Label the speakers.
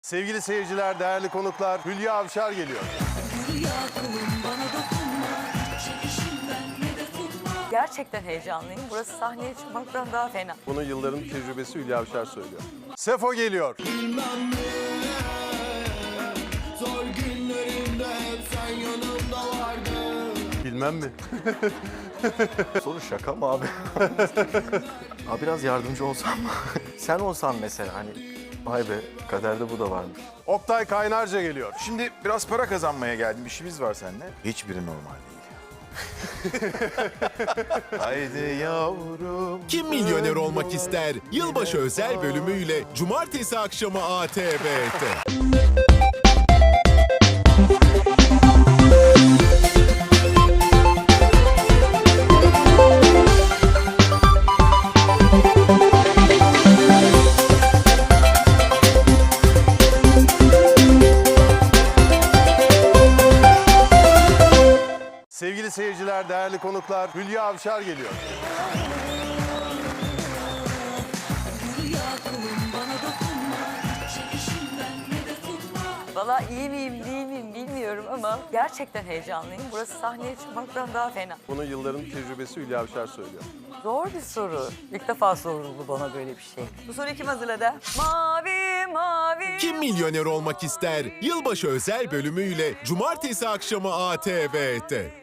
Speaker 1: Sevgili seyirciler, değerli konuklar, Hülya Avşar geliyor.
Speaker 2: Gerçekten heyecanlıyım. Burası sahneye çıkmaktan daha fena.
Speaker 1: Bunu yılların tecrübesi Hülya Avşar söylüyor. Sefo geliyor.
Speaker 3: Zor günlerimde hep sen yanımda vardın.
Speaker 1: Bilmem mi?
Speaker 4: Soru şaka mı abi? Abi biraz yardımcı olsam mı? Sen olsan mesela hani vay be kaderde bu da varmış.
Speaker 1: Oktay Kaynarca geliyor.
Speaker 5: Şimdi biraz para kazanmaya geldim. İşimiz var seninle. Hiçbiri normal değil. Haydi yavrum.
Speaker 6: Kim milyoner olmak ister? Yılbaşı özel bölümüyle cumartesi akşamı ATV'de.
Speaker 1: Sevgili seyirciler, değerli konuklar, Hülya Avşar geliyor.
Speaker 2: Valla iyi miyim değil miyim bilmiyorum ama gerçekten heyecanlıyım. Burası sahneye çıkmaktan daha fena.
Speaker 1: Bunu yılların tecrübesi Hülya Avşar söylüyor.
Speaker 2: Zor bir soru. İlk defa soruldu bana böyle bir şey. Bu soruyu kim hazırladı? Mavi mavi.
Speaker 6: Kim milyoner olmak ister? Yılbaşı özel bölümüyle cumartesi akşamı ATV'de.